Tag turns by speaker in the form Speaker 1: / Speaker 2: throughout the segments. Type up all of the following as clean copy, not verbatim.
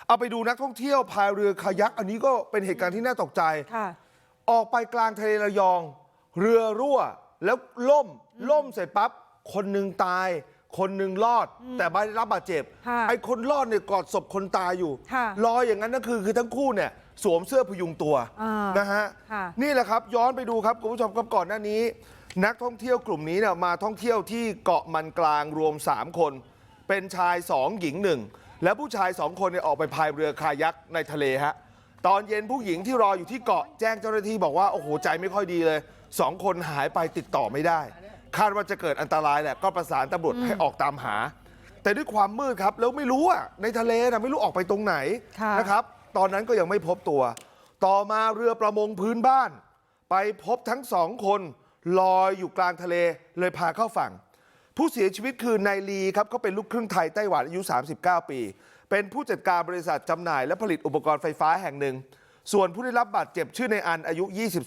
Speaker 1: เอาไปดูนักท่องเที่ยวพายเรือคายักอันนี้ก็เป็นเหตุการณ์ที่น่าตกใจออกไปกลางทะเลระยองเรือรั่วแล้วล่มเสร็จปั๊บคนหนึ่งตายคนหนึ่งรอดแต่ไม่ได้รับบาดเจ็บไอ้คนรอดเนี่ยกอดศพคนตายอยู่ลอยอย่างนั้นนั่นคือทั้งคู่เนี่ยสวมเสื้อพยุงตัวนะฮะนี่แหละครับย้อนไปดูครับคุณผู้ชมครับก่อนหน้านี้นักท่องเที่ยวกลุ่มนี้เนี่ยมาท่องเที่ยวที่เกาะมันกลางรวม3คนเป็นชาย2หญิง1และผู้ชาย2คนเนี่ยออกไปพายเรือคายักในทะเลฮะตอนเย็นผู้หญิงที่รออยู่ที่เกาะแจ้งเจ้าหน้าที่บอกว่าโอ้โหใจไม่ค่อยดีเลย2คนหายไปติดต่อไม่ได้คาดว่าจะเกิดอันตรายแหละก็ประสานตำรวจให้ออกตามหาแต่ด้วยความมืดครับแล้วไม่รู้อ่ะในทะเลนะไม่รู้ออกไปตรงไหนนะครับตอนนั้นก็ยังไม่พบตัวต่อมาเรือประมงพื้นบ้านไปพบทั้ง2คนลอยอยู่กลางทะเลเลยพาเข้าฝั่งผู้เสียชีวิตคือนายลีครับเขาเป็นลูกครึ่งไทยไต้หวันอายุ39ปีเป็นผู้จัดการบริษัทจำหน่ายและผลิตอุปกรณ์ไฟฟ้าแห่งหนึ่งส่วนผู้ได้รับบาดเจ็บชื่อนายอันอายุ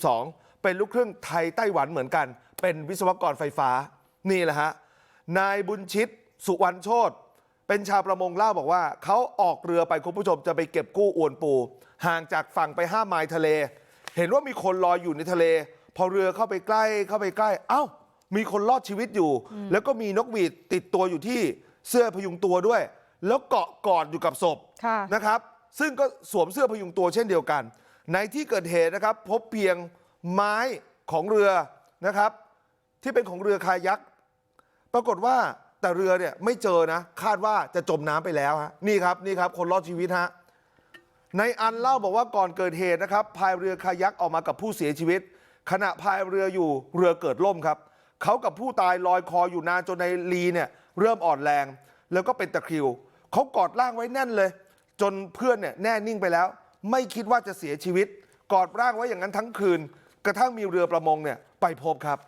Speaker 1: 22เป็นลูกครึ่งไทยไต้หวันเหมือนกันเป็นวิศวกรไฟฟ้านี่แหละฮะนายบุญชิตสุวรรณโชติเป็นชาวประมงเล่าบอกว่าเขาออกเรือไปคุณผู้ชมจะไปเก็บกู้อวนปูห่างจากฝั่งไป5 ไมล์ทะเลเห็นว่ามีคนลอยอยู่ในทะเลพอเรือเข้าไปใกล้เอ้ามีคนรอดชีวิตอยู่แล้วก็มีนกหวีดติดตัวอยู่ที่เสื้อพยุงตัวด้วยแล้วเกาะกอดอยู่กับศพนะครับซึ่งก็สวมเสื้อพยุงตัวเช่นเดียวกันในที่เกิดเหตุนะครับพบเพียงไม้ของเรือนะครับที่เป็นของเรือคายักปรากฏว่าแต่เรือเนี่ยไม่เจอนะคาดว่าจะจมน้ำไปแล้วฮะนี่ครับคนรอดชีวิตฮะในอันเล่าบอกว่าก่อนเกิดเหตุนะครับพายเรือคายักออกมากับผู้เสียชีวิตขณะพายเรืออยู่เรือเกิดล่มครับเขากับผู้ตายลอยคออยู่นานจนในลีเนี่ยเริ่มอ่อนแรงแล้วก็เป็นตะคริวเขากอดร่างไว้แน่นเลยจนเพื่อนเนี่ยแน่นิ่งไปแล้วไม่คิดว่าจะเสียชีวิตกอดร่างไว้อย่างนั้นทั้งคืนกระทั่งมีเรือประมงเนี่ยไปพบครับ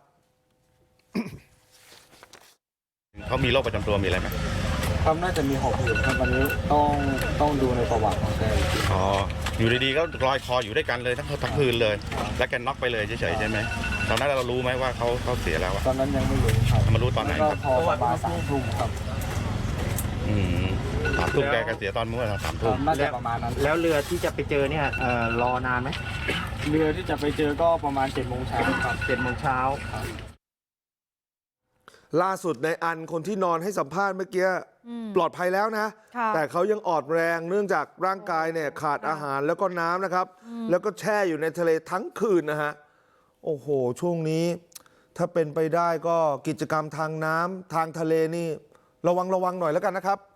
Speaker 2: เขามีโรคประจำตัวมีอะไรไหม
Speaker 3: ครับน่าจะมีหอบหืดครับวันนี้ต้องดูในประวัติของแก
Speaker 2: อ๋ออยู่ดีๆก็ลอยคออยู่ด้วยกันเลยทั้งคืนเลยแล้วแกน็อกไปเลยเฉยๆใช่ไหมตอนนั้นเรารู้ไหมว่าเขาเสียแล้ว
Speaker 3: ตอนนั้นยังไม่รู้ครับ
Speaker 2: มารู้ตอนไหนครับ
Speaker 3: พอประมาณ3 ทุ่มครับ
Speaker 2: 3 ทุ่มแกเสียตอนเมื่อ3 ทุ่ม
Speaker 3: น่าจะประมาณนั้น
Speaker 4: แล้วเรือที่จะไปเจอเนี่ยรอนานไหม
Speaker 3: เรือที่จะไปเจอก็ประมาณ7 โมงเช้าครับ
Speaker 4: 7 โมงเช้า
Speaker 1: ล่าสุดในอันคนที่นอนให้สัมภาษณ์เมื่อกี้ปลอดภัยแล้วนะแต่เขายังอ่อนแรงเนื่องจากร่างกายเนี่ยขาดอาหารแล้วก็น้ำนะครับแล้วก็แช่อยู่ในทะเลทั้งคืนนะฮะโอ้โหช่วงนี้ถ้าเป็นไปได้ก็กิจกรรมทางน้ำทางทะเลนี่ระวังหน่อยแล้วกันนะครับ